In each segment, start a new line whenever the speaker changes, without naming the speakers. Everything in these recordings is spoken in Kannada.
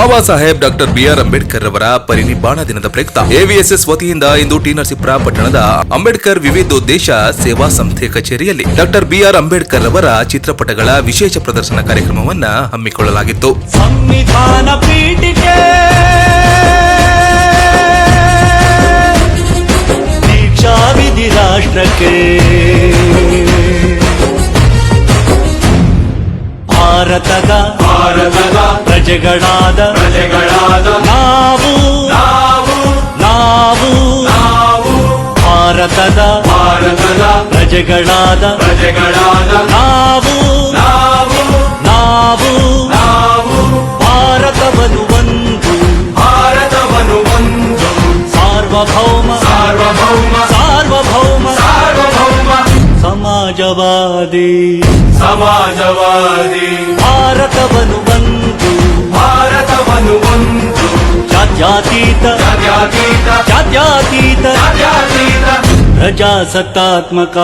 ಬಾಬಾ ಸಾಹೇಬ್ ಡಾಕ್ಟರ್ ಬಿಆರ್ ಅಂಬೇಡ್ಕರ್ ಅವರ ಪರಿನಿಬ್ಬಾಣ ದಿನದ ಪ್ರಯುಕ್ತ ಎವಿಎಸ್ಎಸ್ ವತಿಯಿಂದ ಇಂದು ಟಿ ನರಸೀಪುರ ಪಟ್ಟಣದ ಅಂಬೇಡ್ಕರ್ ವಿವಿಧೋದ್ದೇಶ ಸೇವಾ ಸಂಸ್ಥೆ ಕಚೇರಿಯಲ್ಲಿ ಡಾಕ್ಟರ್ ಬಿಆರ್ ಅಂಬೇಡ್ಕರ್ ಅವರ ಚಿತ್ರಪಟಗಳ ವಿಶೇಷ ಪ್ರದರ್ಶನ ಕಾರ್ಯಕ್ರಮವನ್ನು ಹಮ್ಮಿಕೊಳ್ಳಲಾಗಿತ್ತು.
ಸಂವಿಧಾನ ಪೀಠಿಕೆ ದೀಕ್ಷಾ ವಿಧಿ ರಾಷ್ಟ್ರಕ್ಕೆ ಭಾರತದ ಪ್ರಜೆಗಳಾದ ನಾವು ಭಾರತದ ಪ್ರಜೆಗಳಾದ ನಾವು ಭಾರತವನ್ನು ಒಂದು ಸಾರ್ವಭೌಮ ಸಮಾಜವಾದಿ ಭಾರತವನ್ನು ಒಂದು ಜಾತ್ಯತೀತ ಪ್ರಜಾಸತ್ತಾತ್ಮಕ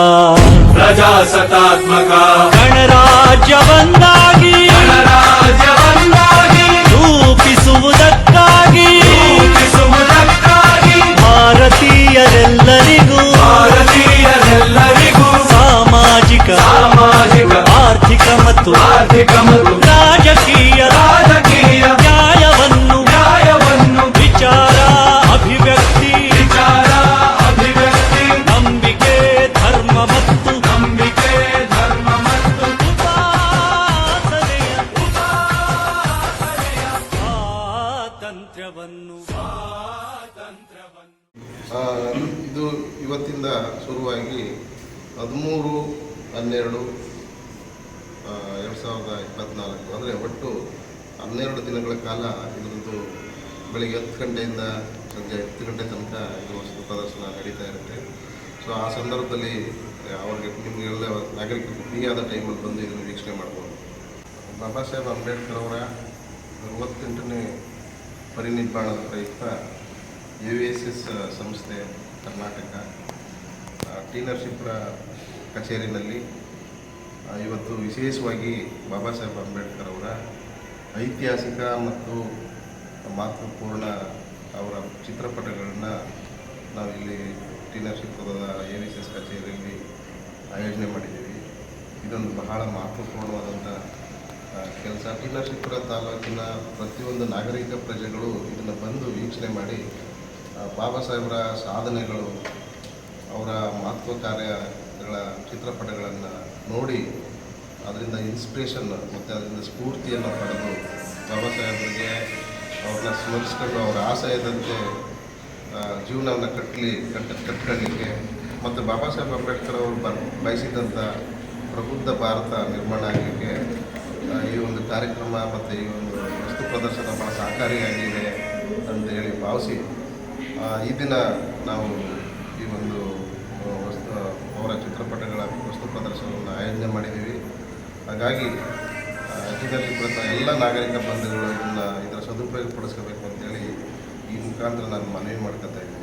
ಗಣರಾಜ್ಯವನ್ನಾಗಿ ರೂಪಿಸುವುದಕ್ಕಾಗಿ ಭಾರತೀಯರೆಲ್ಲರಿಗೂ ಸಾಮಾಜಿಕ ಆರ್ಥಿಕ ಮತ್ತು ರಾಜಕೀಯ ನ್ಯಾಯವನ್ನು ವಿಚಾರ ಅಭಿವ್ಯಕ್ತಿ ನಂಬಿಕೆ ಧರ್ಮ ಮತ್ತು ಉಪಾಸನೆಯ ಸ್ವಾತಂತ್ರ್ಯವನ್ನು
ಇದು ಇವತ್ತಿಂದ ಶುರುವಾಗಿ 13/12/2024 ಅಂದರೆ ಒಟ್ಟು 12 ದಿನಗಳ ಕಾಲ ಇದರದ್ದು ಬೆಳಿಗ್ಗೆ 10 ಗಂಟೆಯಿಂದ ಸಂಜೆ 10 ಗಂಟೆ ತನಕ ಇದು ವಸ್ತು ಪ್ರದರ್ಶನ ನಡೀತಾ ಇರುತ್ತೆ. ಸೊ ಆ ಸಂದರ್ಭದಲ್ಲಿ ಅವ್ರಿಗೆ ನಿಮಗೆಲ್ಲ ನಾಗರಿಕರು ಫ್ರೀಯಾದ ಟೈಮಲ್ಲಿ ಬಂದು ಇದನ್ನು ವೀಕ್ಷಣೆ ಮಾಡ್ಬೋದು. ಬಾಬಾ ಸಾಹೇಬ್ ಅಂಬೇಡ್ಕರ್ ಅವರ 68ನೇ ಪರಿನಿಬ್ಬಾಣದ ಪ್ರಯುಕ್ತ ಎವಿಎಸ್ಎಸ್ ಸಂಸ್ಥೆ ಕರ್ನಾಟಕ ಟಿ ನರಸೀಪುರ ಕಚೇರಿನಲ್ಲಿ ಇವತ್ತು ವಿಶೇಷವಾಗಿ ಬಾಬಾ ಸಾಹೇಬ್ ಅಂಬೇಡ್ಕರ್ ಅವರ ಐತಿಹಾಸಿಕ ಮತ್ತು ಮಹತ್ವಪೂರ್ಣ ಅವರ ಚಿತ್ರಪಟಗಳನ್ನು ನಾವಿಲ್ಲಿ ಟಿ ನರಸೀಪುರದ ಎವಿಎಸ್ಎಸ್ ಕಚೇರಿಯಲ್ಲಿ ಆಯೋಜನೆ ಮಾಡಿದ್ದೀವಿ. ಇದೊಂದು ಬಹಳ ಮಹತ್ವಪೂರ್ಣವಾದಂಥ ಕೆಲಸ. ಟಿ ನರಸೀಪುರ ತಾಲೂಕಿನ ಪ್ರತಿಯೊಂದು ನಾಗರಿಕ ಪ್ರಜೆಗಳು ಇದನ್ನು ಬಂದು ವೀಕ್ಷಣೆ ಮಾಡಿ ಬಾಬಾ ಸಾಹೇಬರ ಸಾಧನೆಗಳು, ಅವರ ಮಹತ್ವ ಕಾರ್ಯಗಳ ಚಿತ್ರಪಟಗಳನ್ನು ನೋಡಿ ಅದರಿಂದ ಇನ್ಸ್ಪಿರೇಷನ್ ಮತ್ತು ಅದರಿಂದ ಸ್ಫೂರ್ತಿಯನ್ನು ಪಡೆದು ಬಾಬಾ ಸಾಹೇಬರಿಗೆ ಅವ್ರನ್ನ ಸ್ಮರಿಸ್ಕೊಂಡು ಅವರ ಆಶಯದಂತೆ ಜೀವನವನ್ನು ಕಟ್ಕೊಳ್ಳಿಕ್ಕೆ ಮತ್ತು ಬಾಬಾ ಸಾಹೇಬ್ ಅಂಬೇಡ್ಕರ್ ಅವರು ಬಯಸಿದಂಥ ಪ್ರಬುದ್ಧ ಭಾರತ ನಿರ್ಮಾಣ ಆಗಲಿಕ್ಕೆ ಈ ಒಂದು ಕಾರ್ಯಕ್ರಮ ಮತ್ತು ಈ ಒಂದು ವಸ್ತು ಪ್ರದರ್ಶನ ಭಾಳ ಸಹಕಾರಿಯಾಗಿದೆ ಅಂತೇಳಿ ಭಾವಿಸಿ ಈ ದಿನ ನಾವು ಈ ಒಂದು ಅವರ ಚಿತ್ರಪಟಗಳ ವಸ್ತು ಪ್ರದರ್ಶನವನ್ನು ಆಯೋಜನೆ ಮಾಡಿದ್ದೀವಿ. ಹಾಗಾಗಿ ನರಸೀಪುರದ ಎಲ್ಲ ನಾಗರಿಕ ಬಂಧುಗಳು ಇದರ ಸದುಪಯೋಗ ಪಡಿಸ್ಕೋಬೇಕು ಅಂತೇಳಿ ಈ ಮುಖಾಂತರ ನಾನು ಮನವಿ ಮಾಡ್ಕೊತಾ ಇದ್ದೀನಿ.